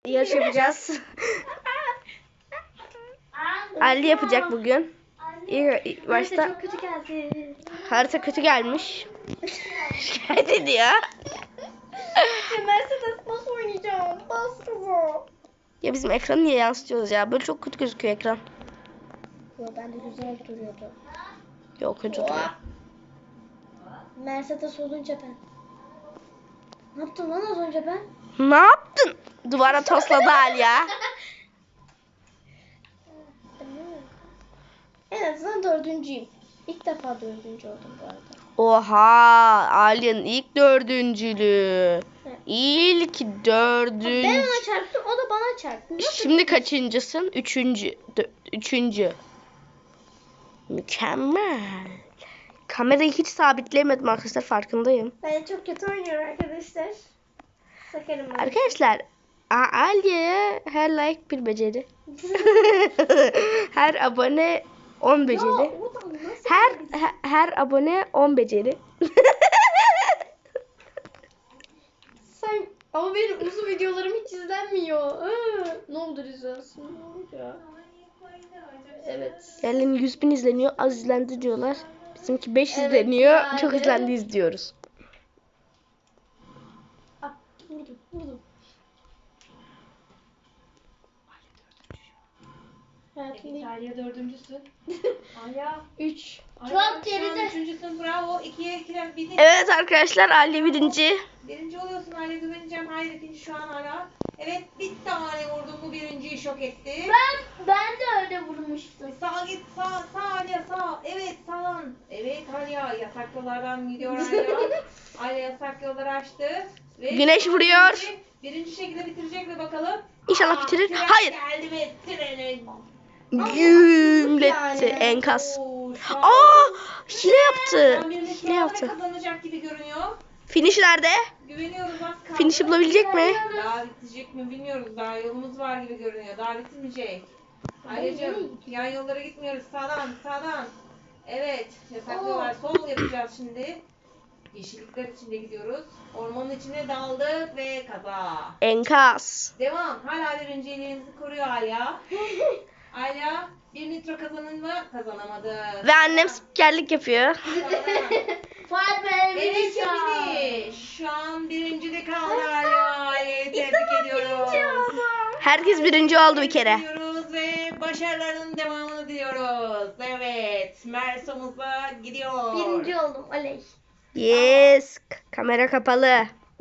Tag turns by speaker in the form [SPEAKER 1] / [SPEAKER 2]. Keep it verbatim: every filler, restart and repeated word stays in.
[SPEAKER 1] yarış yapacağız. Ali yapacak bugün. İlk, ilk başta
[SPEAKER 2] Harita çok kötü geldi.
[SPEAKER 1] harita kötü gelmiş. Şikayet ediyor.
[SPEAKER 2] Ya Mercedes nasıl oynayacağım? Bas kızı.
[SPEAKER 1] Ya bizim ekranı niye yansıtıyoruz ya? Böyle çok kötü gözüküyor ekran.
[SPEAKER 2] Yo bende güzel duruyordu.
[SPEAKER 1] Yok kötü duruyor.
[SPEAKER 2] Mercedes olunca ben. Ne yaptım lan az önce ben?
[SPEAKER 1] Ne yaptın? Duvara tosladı Ali ya.
[SPEAKER 2] En azından dördüncüyüm. İlk defa dördüncü oldum bu arada.
[SPEAKER 1] Oha, Ali'nin ilk dördüncülüğü.
[SPEAKER 2] Evet.
[SPEAKER 1] İlk
[SPEAKER 2] Ben
[SPEAKER 1] dördüncü.
[SPEAKER 2] ona çarptım, o da bana çarptı. Nasıl?
[SPEAKER 1] Şimdi kaçıncısın? Üçüncü. Dö- üçüncü. Mükemmel. Kamerayı hiç sabitleyemedim arkadaşlar, farkındayım.
[SPEAKER 2] Ben çok kötü oynuyorum arkadaşlar. Sakarım ben.
[SPEAKER 1] Arkadaşlar, A- Aliye'ye her like bir beceri. Her abone on
[SPEAKER 2] Ya,
[SPEAKER 1] beceri.
[SPEAKER 2] o da nasıl
[SPEAKER 1] Her
[SPEAKER 2] yani?
[SPEAKER 1] he- her abone on beceri.
[SPEAKER 2] Sen ama benim uzun videolarım hiç izlenmiyor. Iı, ne oldu izlensin? Ne oldu ya? Evet.
[SPEAKER 1] Yerlerin yüz bin izleniyor, az izlendi diyorlar. Bizimki beş yüz
[SPEAKER 2] Evet
[SPEAKER 1] izleniyor,
[SPEAKER 2] yani.
[SPEAKER 1] çok izlendi izliyoruz.
[SPEAKER 2] Ah, vurdum, vurdum. Hayatımda
[SPEAKER 3] İtalya dördüncüsün. Alya.
[SPEAKER 2] üç.
[SPEAKER 3] Alya,
[SPEAKER 2] Çok
[SPEAKER 3] şu an
[SPEAKER 2] geride.
[SPEAKER 3] üçüncüsün, bravo. İkiye ikiler bir de.
[SPEAKER 1] Evet arkadaşlar, Ali birinci.
[SPEAKER 3] Birinci oluyorsun Alya, güveneceğim. Hayır, ikinci şu an hala. Evet, bir tane vurdum, bu birinciyi şok etti.
[SPEAKER 2] Ben ben de öyle vurmuştum.
[SPEAKER 3] Sağ git, sağ, sağ Alya, sağ. Evet, sağ. Evet Alya, yasak yollardan gidiyor Alya. Alya yasak yolları açtı. Ve
[SPEAKER 1] Güneş vuruyor.
[SPEAKER 3] Birinci, birinci şekilde bitirecek mi bakalım?
[SPEAKER 1] İnşallah
[SPEAKER 3] Aa,
[SPEAKER 1] bitirir.
[SPEAKER 3] tren
[SPEAKER 1] Hayır.
[SPEAKER 3] Geldi ve treni
[SPEAKER 1] Gümletti
[SPEAKER 2] yani.
[SPEAKER 1] enkaz.
[SPEAKER 3] Oo, şu an-
[SPEAKER 1] Aa, hile
[SPEAKER 3] Şu
[SPEAKER 1] yaptı.
[SPEAKER 3] an birinin
[SPEAKER 1] Hile
[SPEAKER 3] sıralamayı
[SPEAKER 1] yaptı.
[SPEAKER 3] kazanacak gibi görünüyor.
[SPEAKER 1] Finish nerede?
[SPEAKER 3] Güveniyoruz, az kaldı.
[SPEAKER 1] Finish'i bulabilecek mi?
[SPEAKER 3] Daha bitecek mi bilmiyoruz. Daha yolumuz var gibi görünüyor. Daha bitmeyecek. Ayrıcığım yan yollara gitmiyoruz. Sağdan, sağdan. Evet, yasaklıyorlar. Sol yapacağız şimdi. Yeşillikler içinde gidiyoruz. Ormanın içine daldık ve kaza.
[SPEAKER 1] Enkaz.
[SPEAKER 3] Devam. Hala birinciliğimizi koruyor Alya. Alya bir nitro kazanın mı? Kazanamadı.
[SPEAKER 1] Ve annem spikerlik yapıyor.
[SPEAKER 2] Fuat Bey
[SPEAKER 3] Evet finish. Şu an birincide kaldı Alya. Alya'yı tebrik ediyoruz.
[SPEAKER 1] Herkes birinci oldu bir kere.
[SPEAKER 3] Diyoruz ve başarılarının devamını diliyoruz. Evet. Mersomuz'a gidiyor.
[SPEAKER 2] Birinci oldum. Oley.
[SPEAKER 1] Yes. Kamera kapalı.